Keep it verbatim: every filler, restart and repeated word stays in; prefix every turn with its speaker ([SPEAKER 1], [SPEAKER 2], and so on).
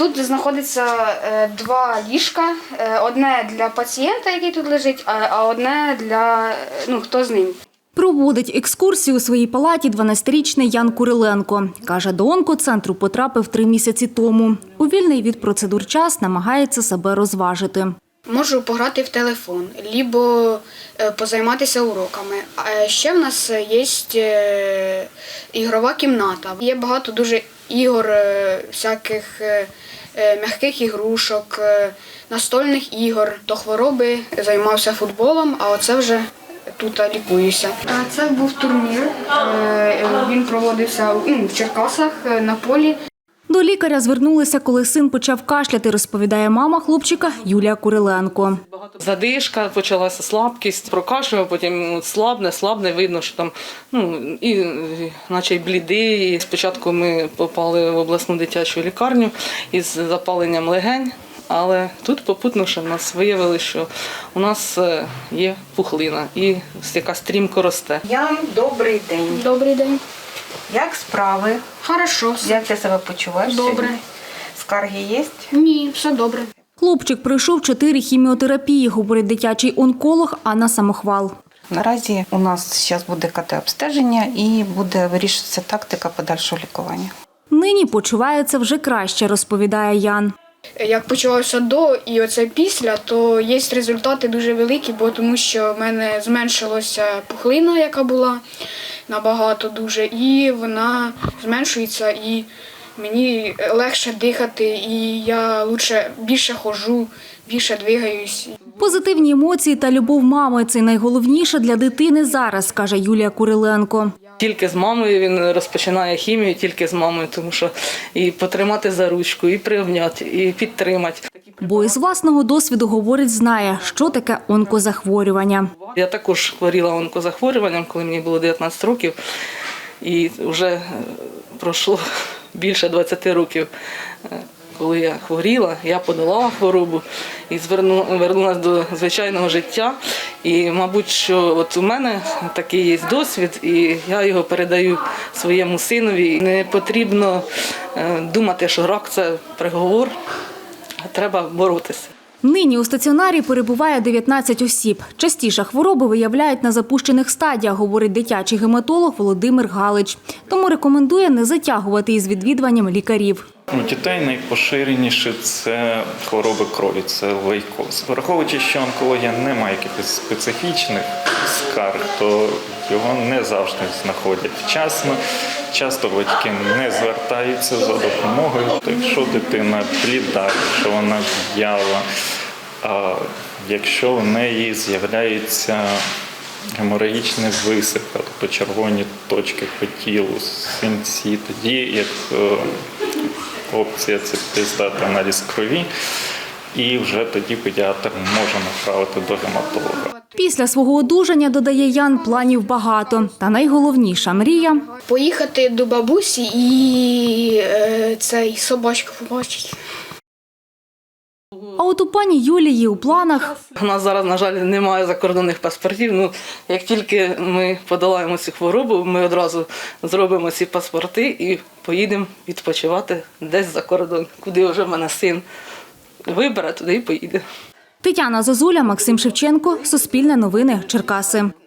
[SPEAKER 1] Тут знаходиться два ліжка. Одне для пацієнта, який тут лежить, а одне для, ну, хто з ним.
[SPEAKER 2] Проводить екскурсію у своїй палаті дванадцятирічний Ян Куриленко. Каже, до онкоцентру потрапив три місяці тому. У вільний від процедур час намагається себе розважити.
[SPEAKER 1] Можу пограти в телефон, або позайматися уроками. А ще в нас є ігрова кімната. Є багато дуже ігор, всяких м'яких ігрушок, настольних ігор. До хвороби займався футболом, а оце вже тут лікуюся. Це був турнір, він проводився в Черкасах на полі.
[SPEAKER 2] До лікаря звернулися, коли син почав кашляти, розповідає мама хлопчика Юлія Куриленко.
[SPEAKER 3] Задишка, почалася слабкість, прокашлював, потім слабне, слабне, видно, що там, ну, і, наче й блідий. І спочатку ми попали в обласну дитячу лікарню із запаленням легень, але тут попутно, в нас виявили, що у нас є пухлина і яка стрімко росте.
[SPEAKER 4] Ян, добрий день.
[SPEAKER 1] Добрий день.
[SPEAKER 4] Як справи?
[SPEAKER 1] Хорошо.
[SPEAKER 4] Як ти себе почуваєш?
[SPEAKER 1] Добре.
[SPEAKER 4] Сьогодні? Скарги є?
[SPEAKER 1] Ні, все добре.
[SPEAKER 2] Хлопчик пройшов чотири хіміотерапії, говорить дитячий онколог Анна Самохвал.
[SPEAKER 4] Наразі у нас зараз буде ка те-обстеження і буде вирішуватися тактика подальшого лікування.
[SPEAKER 2] Нині почувається вже краще, розповідає Ян.
[SPEAKER 1] Як почувався до і оце після, то є результати дуже великі, бо тому що в мене зменшилася пухлина, яка була набагато дуже, і вона зменшується, і мені легше дихати, і я лучше більше ходжу, більше двигаюсь.
[SPEAKER 2] Позитивні емоції та любов мами – це найголовніше для дитини зараз, каже Юлія Куриленко.
[SPEAKER 3] Тільки з мамою він розпочинає хімію, тільки з мамою, тому що і потримати за ручку, і приобняти, і підтримати.
[SPEAKER 2] Бо із власного досвіду, говорить, знає, що таке онкозахворювання.
[SPEAKER 3] Я також хворіла онкозахворюванням, коли мені було дев'ятнадцять років, і вже пройшло більше двадцяти років. Коли я хворіла, я подолала хворобу і повернулася до звичайного життя. І, мабуть, що от у мене такий є досвід, і я його передаю своєму синові. Не потрібно думати, що рак – це приговор, а треба боротися.
[SPEAKER 2] Нині у стаціонарі перебуває дев'ятнадцять осіб. Частіше хвороби виявляють на запущених стадіях, говорить дитячий гематолог Володимир Галич. Тому рекомендує не затягувати із відвідуванням лікарів.
[SPEAKER 5] У дітей найпоширеніше це хвороби крові, це лейкоз. Враховуючи, що онкологія не має якихось специфічних скарг, то його не завжди знаходять вчасно. Часто батьки не звертаються за допомогою. Якщо дитина бліда, якщо вона в'яла, а якщо в неї з'являються геморагічні висипи, тобто червоні точки по тілу, синці, тоді як опція – це здати аналіз крові, і вже тоді педіатр може направити до гематолога.
[SPEAKER 2] Після свого одужання, додає Ян, планів багато. Та найголовніша мрія –
[SPEAKER 1] поїхати до бабусі і е, цей собачку побачити.
[SPEAKER 2] А от у пані Юлії у планах
[SPEAKER 3] У нас зараз, на жаль, немає закордонних паспортів. Ну, як тільки ми подолаємо цю хворобу, ми одразу зробимо ці паспорти і поїдемо відпочивати десь за кордон, куди вже в мене син вибере, туди і поїде.
[SPEAKER 2] Тетяна Зозуля, Максим Шевченко, Суспільне новини, Черкаси.